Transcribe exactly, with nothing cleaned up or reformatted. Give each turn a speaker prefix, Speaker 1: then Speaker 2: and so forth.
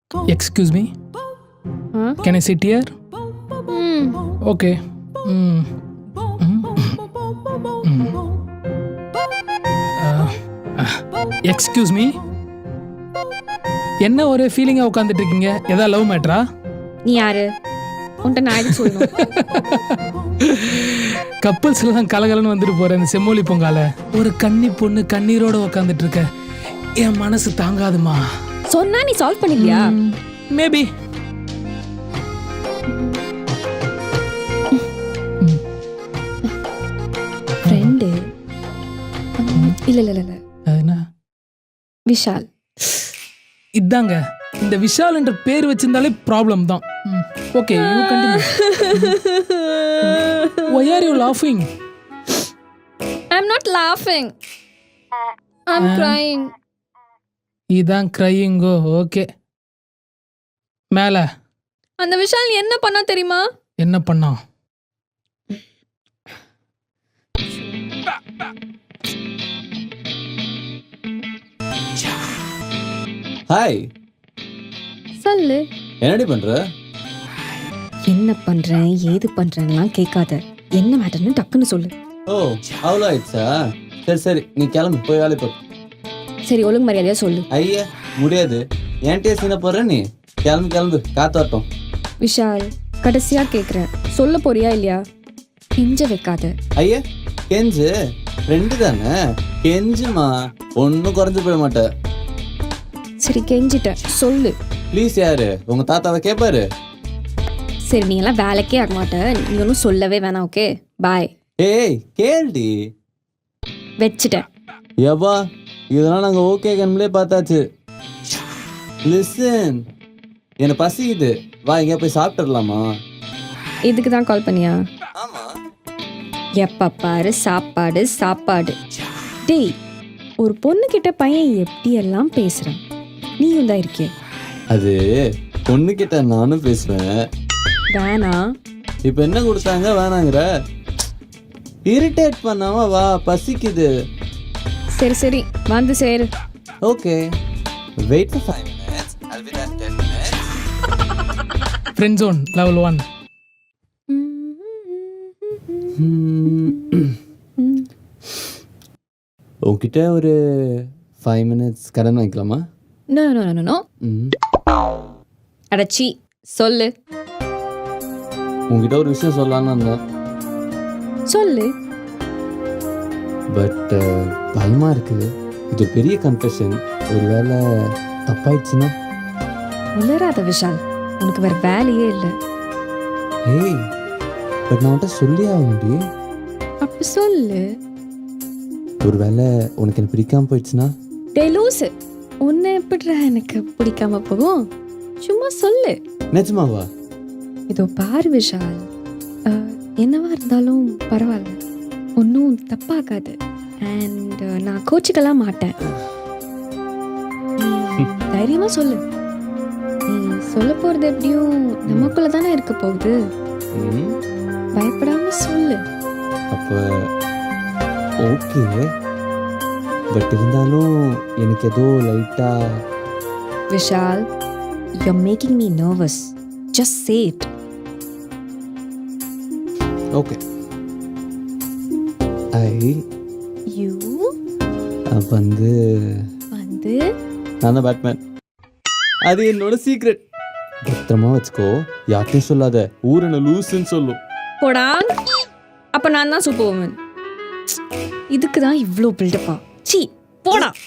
Speaker 1: Excuse me.
Speaker 2: Huh?
Speaker 1: Can I sit here?
Speaker 2: Hmm.
Speaker 1: Okay. Mm. Mm. Mm. Uh, uh, excuse me. என்ன ஒரே ஃபீலிங்கா உட்காந்துட்டு இருக்கீங்க? ஏதா love மேட்டரா?
Speaker 2: நீ யாரு? உன்கிட்ட நான் எதுக்கு சொல்லணும்?
Speaker 1: கப்பல்ஸ் எல்லாம் கலகலன்னு வந்துட்டு போற இந்த செம்மொழி பொங்கால ஒரு கன்னி பொண்ணு கண்ணீரோட உட்காந்துட்டு இருக்க என் மனசு தாங்காதுமா.
Speaker 2: சொன்னா நீ சால்வ் பண்ணிக்கலையா?
Speaker 1: மேபி.
Speaker 2: ஃப்ரெண்டு இல்ல இல்ல இல்ல
Speaker 1: என்ன
Speaker 2: விஷால்.
Speaker 1: இதாங்க இந்த விஷால் என்ற பேர் வச்சிருந்தாலே ப்ராப்ளம் தான். Okay, you continue. Why are you laughing?
Speaker 2: I'm not laughing. I'm crying.
Speaker 1: இதான் கிரையிங்கோ. ஓகே, மேல
Speaker 2: அந்த விஷால் என்ன பண்ணா தெரியுமா?
Speaker 1: என்ன பண்ணா?
Speaker 3: ஹாய்,
Speaker 2: சொல்லு.
Speaker 3: என்னடி பண்ற?
Speaker 2: என்ன பண்றேன் ஏது பண்றேன்லாம் கேட்காத. என்ன மேட்டர்னு டக்குன்னு சொல்லு.
Speaker 3: ஓ, அவ்வளோ ஆயிடுச்சா? சரி சரி, நீ கிளம்பு, போய் வேலை போ.
Speaker 2: சரி, ஒழுங்கு மரியாதையா சொல்லு.
Speaker 3: ஐயா முடியாது, என்கிட்டயே சீன போடுற நீ. கிளம்பு கிளம்பு, காத்தாட்டம்.
Speaker 2: விஷால், கடைசியா கேக்குறேன், சொல்ல போறியா இல்லையா? கெஞ்ச வைக்காத.
Speaker 3: ஐயா கெஞ்சு, ஃப்ரெண்டு தானே, கெஞ்சுமா, ஒன்றும் குறைஞ்சு போயிட மாட்டேன்.
Speaker 2: சரி, கெஞ்சிட்ட, சொல்லு.
Speaker 3: ப்ளீஸ். யாரு உங்க தாத்தாவை கேட்பாரு?
Speaker 2: சரி, நீ எல்லாம் வேலைக்கே ஆக மாட்ட, நீ ஒன்றும் சொல்லவே வேணாம். Okay, bye.
Speaker 3: ஏய் கேள்டி
Speaker 2: வச்சுட்டேன்.
Speaker 3: எவ்வா, இதெல்லாம் நாங்கள் ஓகே கண்மலே பார்த்தாச்சு. லிசன், எனக்கு பசிக்குது, வா எங்கேயா போய் சாப்பிட்டுடலாமா?
Speaker 2: இதுக்கு தான் கால் பண்ணியா?
Speaker 3: ஆமா.
Speaker 2: எப்ப பாரு சாப்பாடு சாப்பாடு. டேய், ஒரு பொண்ணு கிட்ட பையன் எப்படி எல்லாம் பேசுறான், நீயும் தான் இருக்கே.
Speaker 3: அது பொண்ணுக்கிட்ட நானும் பேசுவேன்.
Speaker 2: வேணா.
Speaker 3: இப்போ என்ன கொடுத்தாங்க வேணாங்கிற? இரிட்டேட் பண்ணாம வா, பசிக்குது.
Speaker 2: சரி சரி, வந்து சேரு.
Speaker 3: Okay, wait for five minutes, I'll be there in ten minutes.
Speaker 1: Friend zone level one.
Speaker 3: உங்ககிட்ட ஒரு ஃபைவ் மினிட்ஸ் கடன் வாங்கிக்கலாமா?
Speaker 2: No no no no.
Speaker 3: ம்.
Speaker 2: அடச்சி, சொல்லு.
Speaker 3: உங்ககிட்ட ஒரு விஷயம் சொல்லலான்னு வந்தேன்,
Speaker 2: சொல்லு.
Speaker 3: பட் பயமா இருக்குது. இது ஒரு பெரிய கன்ஃபெஷன். ஒரு வேளை தப்பாயிடுச்சுன்னா?
Speaker 2: உளராத விஷால், உனக்கு வேற வேலையே இல்லை.
Speaker 3: ஏய், பட் நான் உன்கிட்ட சொல்லி ஆக முடியும்.
Speaker 2: அப்ப சொல்லு.
Speaker 3: ஒரு வேளை உனக்கு எனக்கு பிடிக்காம போயிடுச்சுன்னா?
Speaker 2: டே லூசு, உன்னை எப்படிடா எனக்கு பிடிக்காம போகும்? சும்மா சொல்லு.
Speaker 3: நிஜமாவா?
Speaker 2: இதோ பாரு விஷால், அஹ், என்னவா இருந்தாலும் பரவாயில்ல, ஒன்றும் தப்பாகாது. அண்ட் நான் கோச்சிக்கலாம் மாட்டேன். நீ தைரியமா சொல்லு. நீ சொல்ல போறது எப்படியும் நமக்குள்ள தானே இருக்க போகுது.
Speaker 3: ம்.
Speaker 2: பயப்படாம சொல்லு.
Speaker 3: அப்போ ஓகே, பட் இருந்தாலும் எனக்கு ஏதோ லைட்டா.
Speaker 2: Vishal, you're making me nervous. Just say it.
Speaker 3: Okay, I
Speaker 2: You
Speaker 3: வந்து
Speaker 2: வந்து
Speaker 3: நான் தான் பேட்மேன். அது என்னோட சீக்ரெட். பத்திரமா வச்சுக்கோ, யார்ட்டையும் சொல்லாத. ஊர் என்ன லூசுன்னு சொல்லும்.
Speaker 2: போடா. அப்ப நான் தான் சூப்பர் உமன். இதுக்கு தான் இவ்வளோ பில்டப்பா? சீ, போடா.